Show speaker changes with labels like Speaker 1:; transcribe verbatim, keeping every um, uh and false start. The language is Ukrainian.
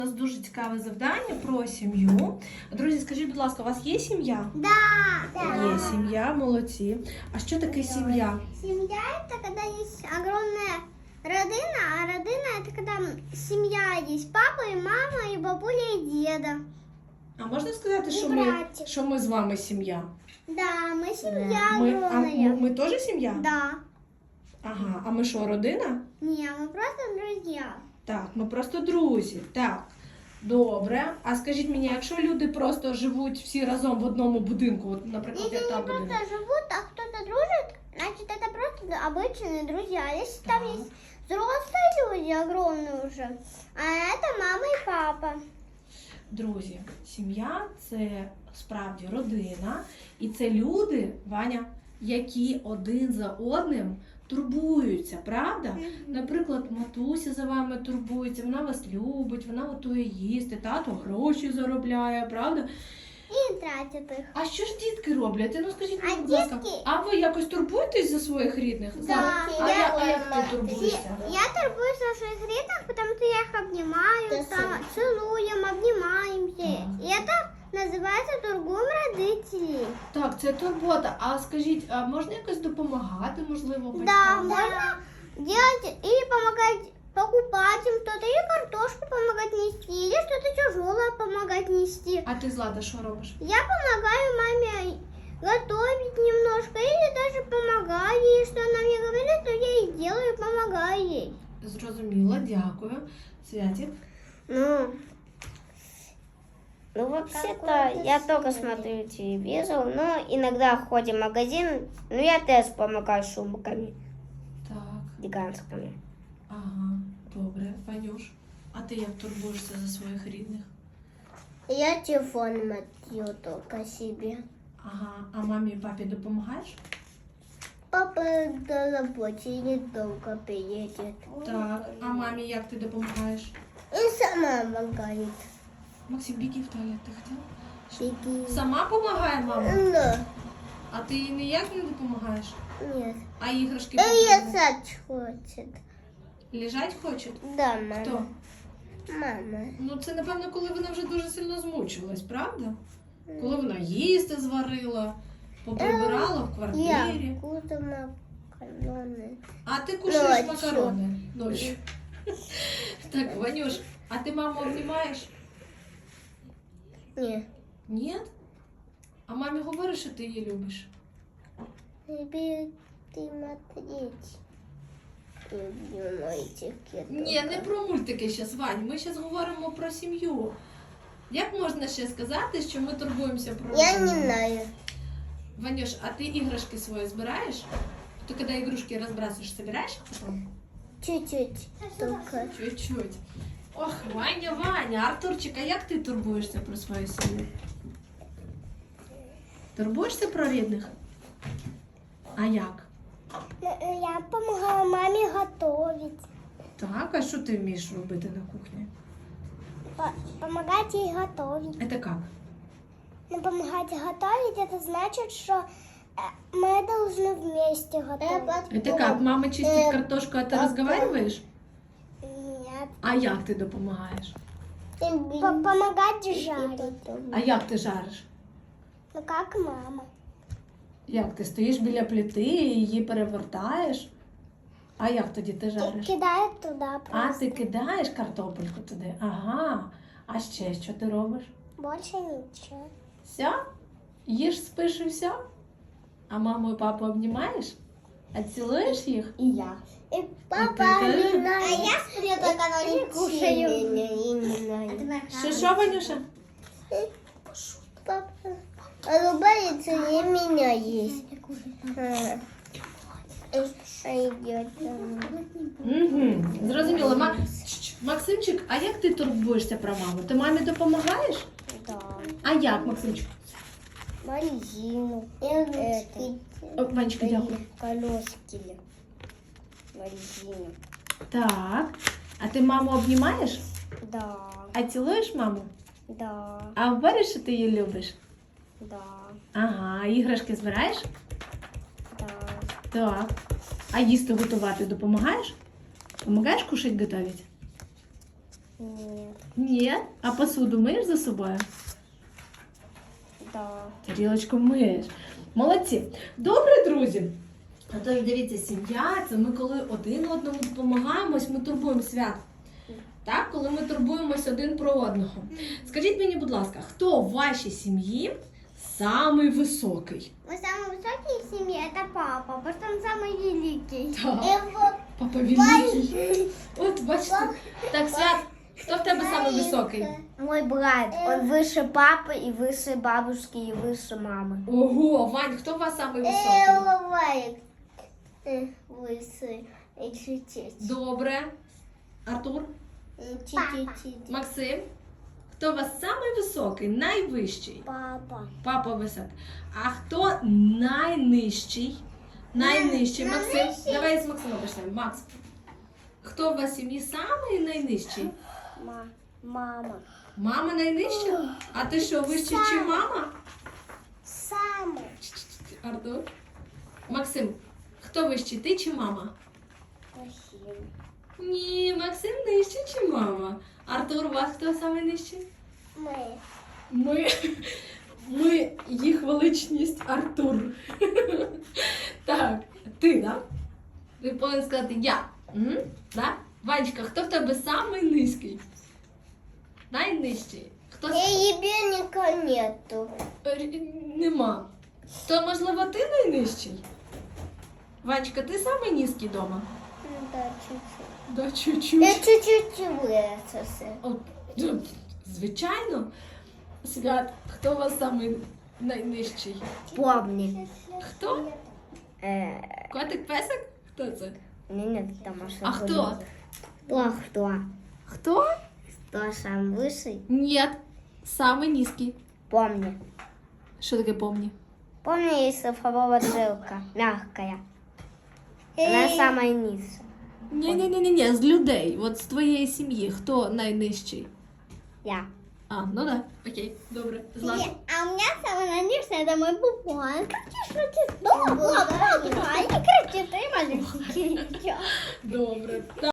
Speaker 1: У нас дуже цікаве завдання про сім'ю. Друзі, скажіть, будь ласка, у вас є сім'я?
Speaker 2: Да.
Speaker 1: Є сім'я, молодці. А що таке сім'я?
Speaker 2: Семья это когда есть огромная родина, а родина это когда семья есть папа и мама, и бабуля, и деда.
Speaker 1: А можна сказати,
Speaker 2: І
Speaker 1: що ми,
Speaker 2: братик.
Speaker 1: що ми з вами сім'я?
Speaker 2: Да, мы семья
Speaker 1: Ми, а
Speaker 2: огромная.
Speaker 1: ми, ми теж сім'я?
Speaker 2: Да.
Speaker 1: Ага, а ми що, родина?
Speaker 2: Не, мы просто друзья.
Speaker 1: Так, ми просто друзі. Так, добре. А скажіть мені, якщо люди просто живуть всі разом в одному будинку, от, наприклад,
Speaker 2: Если
Speaker 1: як
Speaker 2: они
Speaker 1: там
Speaker 2: просто
Speaker 1: будинок.
Speaker 2: живут, а кто-то дружит, значит это просто обычные друзья. А если там
Speaker 1: Так.
Speaker 2: есть взрослые люди, огромные уже, а это мама и папа.
Speaker 1: Друзі, сім'я – це справді родина, і це люди, Ваня, які один за одним турбуються, правда? Наприклад, матуся за вами турбується, вона вас любить, вона готує їсти, тато гроші заробляє, правда?
Speaker 2: И тратят их.
Speaker 1: А що ж дітки роблять? Ну скажіть мені,
Speaker 2: А
Speaker 1: будь ласка,
Speaker 2: дітки-
Speaker 1: а ви якось турбуєтесь за своїх рідних?
Speaker 2: Да.
Speaker 1: Злата, А,
Speaker 2: Я-
Speaker 1: я, а як ти турбуєшся?
Speaker 2: Я торгуюсь на своих ритах, потому что я их обнимаю, там, целуем, обнимаемся.
Speaker 1: Так.
Speaker 2: И это называется торгуем родителей.
Speaker 1: Так, це турбота. А скажіть, а можна якось допомагати, можливо, батькам?
Speaker 2: Да, можно делать или помогать покупать им что-то, или картошку помогать нести, или что-то тяжелое помогать нести.
Speaker 1: А ти, Злата, що робиш?
Speaker 2: Я помогаю маме готовить немножко, или даже помогаю ей, что она мне говорит, то я и делаю, помогаю ей.
Speaker 1: Зрозуміла, дякую. Святик?
Speaker 3: Ну, ну вообще-то я только смотрю телевизор, но иногда ходим в магазин, ну я тоже помогаю шубками
Speaker 1: Так,
Speaker 3: гигантскими.
Speaker 1: ага, добре. Ванюш, а ти як турбуєшся за своїх рідних?
Speaker 2: Я телефон мотаю только себе.
Speaker 1: Ага, а мамі і папі допомагаєш?
Speaker 2: Папа на работе недолго приедет.
Speaker 1: Так, а мамі як ти допомагаєш?
Speaker 2: И сама помогает.
Speaker 1: Максим, біги в туалет, ти хотів?
Speaker 2: Беги.
Speaker 1: Сама допомагає мама?
Speaker 2: Да.
Speaker 1: А ти їй ніяк не допомагаєш?
Speaker 2: Нет.
Speaker 1: А іграшки
Speaker 2: И
Speaker 1: потрібні?
Speaker 2: лежать хочет.
Speaker 1: Лежать хочуть?
Speaker 2: Да, мама.
Speaker 1: Хто?
Speaker 2: Мама.
Speaker 1: Ну це, напевно, коли вона вже дуже сильно змучилась, правда? Коли вона їсти зварила, поприбирала в
Speaker 2: Я
Speaker 1: квартирі.
Speaker 2: буду макароны.
Speaker 1: А ти кушаєш
Speaker 2: Ночью.
Speaker 1: макарони ночі. Так, Ванюш, а ти маму обнімаєш?
Speaker 2: Нет.
Speaker 1: Ні? А мамі говориш, що ти її любиш?
Speaker 2: Тебе ты смотреть. Люблю мультики.
Speaker 1: Ні, не про мультики зараз, Вань. Ми зараз говоримо про сім'ю. Як можна ще сказати, що ми турбуємося про
Speaker 2: Я
Speaker 1: родину?
Speaker 2: не знаю.
Speaker 1: Ванюш, а ти іграшки свої збираєш? Ти коли ігрушки розбрасуєш, збираєш їх потім?
Speaker 2: Чуть-чуть. Только.
Speaker 1: Чуть-чуть. Ох, Ваня, Ваня, Артурчик, а як ти турбуєшся про свою сім'ю? Турбуєшся про рідних? А як?
Speaker 2: Я помогала маме готовить.
Speaker 1: Так, а що ти вмієш робити на кухні?
Speaker 2: Помогать ей готовить.
Speaker 1: Це як?
Speaker 2: Но помогать готовить, это значит, что э, мы должны вместе готовить.
Speaker 1: Это как? Мама чистит картошку, а ти розмовляєш?
Speaker 2: Нет.
Speaker 1: А як ти допомагаєш?
Speaker 2: Помогать жарить.
Speaker 1: А як ти жариш?
Speaker 2: Ну, как мама.
Speaker 1: Як ти стоїш біля плити і її перевертаєш? А як тоді ти жариш?
Speaker 2: Кидает туда
Speaker 1: А
Speaker 2: просто.
Speaker 1: ти кидаєш картопельку туди? Ага. А ще що ти робиш?
Speaker 2: Больше ничего.
Speaker 1: Все? Їж, спиш і все? А маму і папу обнімаєш? А цілуєш їх?
Speaker 2: И я. И
Speaker 1: папа обнимает.
Speaker 2: А я сплю только на кушаю.
Speaker 1: Що, що, Ванюша?
Speaker 2: Папа улыбается и меня есть. Идет.
Speaker 1: Угу. Зрозуміло. Ма... Чш, Максимчик, а як ти турбуєшся про маму? Ти мамі допомагаєш?
Speaker 2: Да.
Speaker 1: А як, Максимчик?
Speaker 2: Морозину. Это.
Speaker 1: О, Ванечка, дякую.
Speaker 2: Колески. Морозину.
Speaker 1: Так. А ти маму обнімаєш?
Speaker 2: Да.
Speaker 1: А цілуєш маму?
Speaker 2: Да.
Speaker 1: А говориш, що ти її любиш?
Speaker 2: Да.
Speaker 1: Ага, а іграшки збираєш?
Speaker 2: Да.
Speaker 1: Так. А їсти готувати допомагаєш? Помагаєш кушать готовить?
Speaker 3: Нет.
Speaker 1: Ні. А посуду миєш за собою?
Speaker 3: Да.
Speaker 1: Тарілочку миєш. Молодці. Добре, друзі. Отож, дивіться, сім'я це ми коли один одному допомагаємо, ось ми турбуємо свят. Так, коли ми турбуємось один про одного. Скажіть мені, будь ласка, хто в вашій сім'ї самий високий?
Speaker 2: Мы самый высокий в семье это папа, потому что он самый великий.
Speaker 1: Так.
Speaker 2: Его
Speaker 1: Папа великий. От, бачите. Так, Свят, хто в тебе самий високий?
Speaker 3: Мой брат, он выше папы и выше бабушки и выше мамы.
Speaker 1: Ого, Вань, хто у вас самий високий?
Speaker 2: Элвайк. Лысый. И чуть-чуть.
Speaker 1: Добре. Артур?
Speaker 2: Чуть-чуть.
Speaker 1: Максим? Хто у вас самий високий, найвищий?
Speaker 2: Папа.
Speaker 1: Папа високий. А хто найнижчий? Найнижчий.
Speaker 2: Най-
Speaker 1: Максим,
Speaker 2: найнижчий.
Speaker 1: давай з Максимом почнемо. Макс, хто у вас в сім'ї самий найнижчий?
Speaker 3: Ма, мама.
Speaker 1: Мама найнижча? А ти що, вище, чи мама?
Speaker 2: Самый.
Speaker 1: Артур? Максим, хто вищий, ти чи мама? Ні, Максим нижчий, чи мама? Артур, у вас хто самий нижчий?
Speaker 2: Мы.
Speaker 1: Ми, ми їх величність Артур. Так, ти, да? Ти повинен сказати я. Угу. Да? Ванечка, хто в тебе самий низький? Найнижчий? Хто с-
Speaker 2: Ебенника нету.
Speaker 1: Е, Нема. То, можливо, ти найнижчий? Ванечка, ти самий низький вдома?
Speaker 2: Да, чуть-чуть.
Speaker 1: Да, чуть-чуть.
Speaker 2: Я чуть-чуть выросся.
Speaker 1: О, ну, звичайно. Свят, хто у вас самий найнижчий?
Speaker 3: Помни.
Speaker 1: Хто?
Speaker 3: Э,
Speaker 1: Котик песик? Хто це?
Speaker 3: не, нет, там ошибка.
Speaker 1: А хто?
Speaker 3: Кто, кто?
Speaker 1: Хто?
Speaker 3: Кто сам высший?
Speaker 1: Ні, самий низький.
Speaker 3: Помни.
Speaker 1: Що таке помні?
Speaker 3: Помни, есть цифровая жилка, мягкая. Она самая низшая.
Speaker 1: Ні-ні-ні, з людей. От з твоєї сім'ї. Хто найнижчий?
Speaker 3: Я.
Speaker 1: А, ну да. Окей, добре. Злата.
Speaker 2: А у меня самый наивный это мой бубон. Как ты шутишь? Да, да, да. Не кричи, ты маленький.
Speaker 1: Добре.